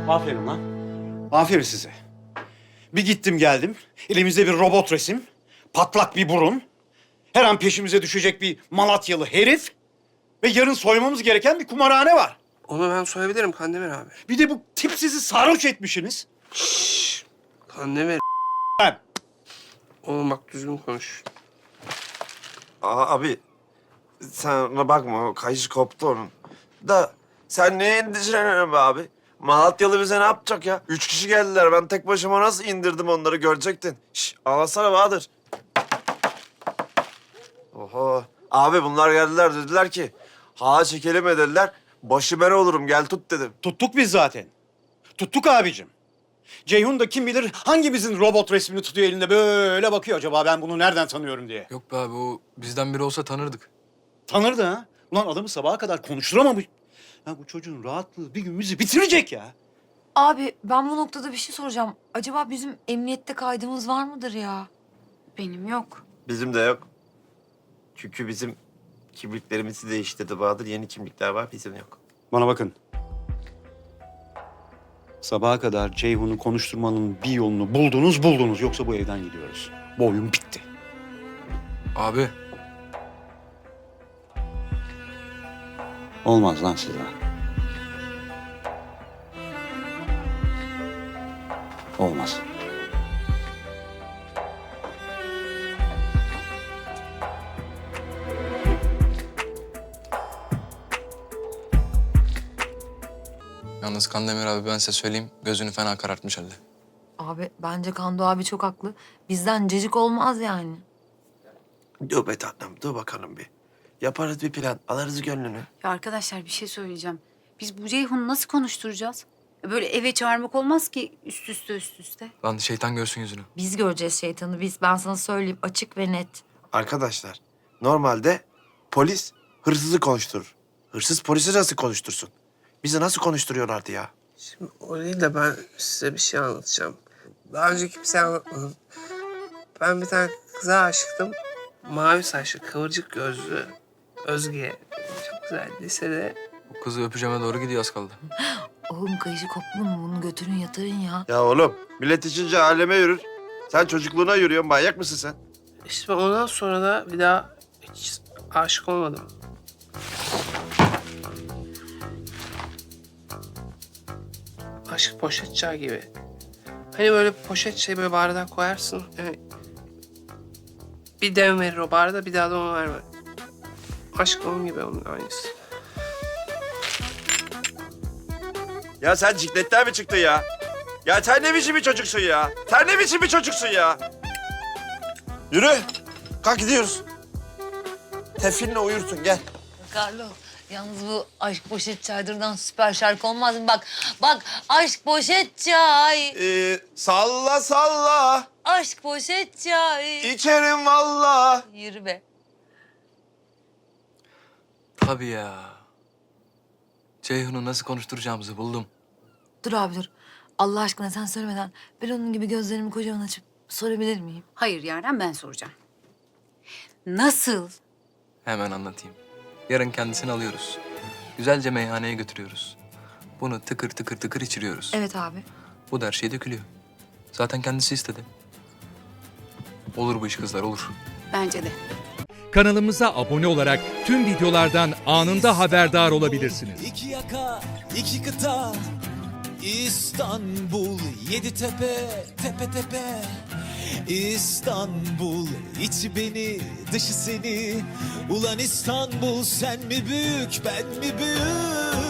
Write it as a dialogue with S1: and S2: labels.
S1: Aferin lan. Aferin size. Bir gittim geldim. Elimizde bir robot resim. Patlak bir burun. Her an peşimize düşecek bir Malatyalı herif. Ve yarın soymamız gereken bir kumarhane var.
S2: Onu ben soyabilirim Kandemir abi.
S1: Bir de bu tipsizi sarhoş etmişsiniz.
S2: Kandemir.
S1: Ben.
S2: Oğlum bak düzgün konuş.
S3: Abi sen ona bakma, o kayışı koptu onun. Da sen neye endişeleniyorsun be abi? Malatyalı bize ne yapacak ya? 3 kişi geldiler, ben tek başıma nasıl indirdim onları görecektin. Şş, ağlasana Bahadır. Oho. Abi bunlar geldiler, dediler ki hağa çekelim dediler. Başı ben olurum, gel tut dedim.
S1: Tuttuk biz zaten. Tuttuk abicim. Ceyhun da kim bilir hangimizin robot resmini tutuyor elinde böyle bakıyor. Acaba ben bunu nereden tanıyorum diye.
S4: Yok be abi, o bizden biri olsa tanırdık.
S1: Tanırdı ha. Ulan adamı sabaha kadar konuşturamamış. Ya bu çocuğun rahatlığı bir gün bizi bitirecek ya.
S5: Abi ben bu noktada bir şey soracağım. Acaba bizim emniyette kaydımız var mıdır ya?
S6: Benim yok.
S3: Bizim de yok. Çünkü bizim kimliklerimizi değiştirdi Bahadır. Yeni kimlikler var, bizim yok.
S1: Bana bakın. Sabaha kadar Ceyhun'u konuşturmanın bir yolunu buldunuz. Yoksa bu evden gidiyoruz. Bu oyun bitti.
S4: Abi
S1: Olmaz lan size. Olmaz.
S4: yalnız Kandemir abi, ben size söyleyeyim, gözünü fena karartmış halde.
S5: Abi bence Kando abi çok haklı. Bizden cacık olmaz yani.
S3: Dur be tatlım, dur bakalım bir. Yaparız bir plan, alırız gönlünü.
S6: Ya arkadaşlar bir şey söyleyeceğim. Biz bu Ceyhun'u nasıl konuşturacağız? Böyle eve çağırmak olmaz ki üst üste.
S4: Lan şeytan görsün yüzünü.
S5: Biz göreceğiz şeytanı biz. Ben sana söyleyeyim açık ve net.
S3: Arkadaşlar, normalde polis hırsızı konuşturur. Hırsız polisi nasıl konuştursun? Bizi nasıl konuşturuyorlardı ya?
S2: Şimdi o değil de ben size bir şey anlatacağım. Daha önce kimseye anlatmadım. Ben bir tane kıza aşıktım. Mavi saçlı, kıvırcık gözlü Özge. Çok güzel. Lisede
S4: O kızı öpeceğime doğru gidiyor, az kaldı.
S5: Oğlum kayışı koptu mu? Bunu götürün yatırın ya.
S3: Ya oğlum, millet içince aleme yürür. Sen çocukluğuna yürüyorsun, manyak mısın sen?
S2: işte ondan sonra da bir daha hiç aşık olmadım. Aşk poşet çay gibi. Hani böyle poşet şey böyle bardağa koyarsın. Yani bir dem verir o bardağa, bir daha da onu verme. Aşk onun gibi, onun aynısı.
S3: Ya sen cikletten mi çıktın ya? Ya sen ne biçim bir çocuksun ya? Sen ne biçim bir çocuksun ya? Yürü. Kalk gidiyoruz. Tefkinle uyursun, gel.
S5: Carlo, yalnız bu aşk poşet çaydırdan süper şarkı olmaz mı? Bak aşk poşet çay,
S3: Salla salla.
S5: aşk poşet çay.
S3: İçerim valla.
S5: Yürü be.
S4: Tabii ya. Ceyhun'u nasıl konuşturacağımızı buldum.
S5: Dur abi dur. Allah aşkına sen söylemeden ben onun gibi gözlerimi kocaman açıp sorabilir miyim?
S6: Hayır Yaren, ben soracağım. Nasıl?
S4: Hemen anlatayım. Yarın kendisini alıyoruz. Güzelce meyhaneye götürüyoruz. Bunu tıkır tıkır tıkır içiriyoruz.
S5: Evet abi.
S4: Bu da her şey dökülüyor. Zaten kendisi istedi. Olur bu iş kızlar, olur.
S6: Bence de.
S7: Kanalımıza abone olarak tüm videolardan anında haberdar olabilirsiniz.
S8: İki yaka, iki kıta, İstanbul, yedi tepe, tepe tepe. İstanbul, içi beni, dışı seni. Ulan İstanbul, sen mi büyük, ben mi büyük?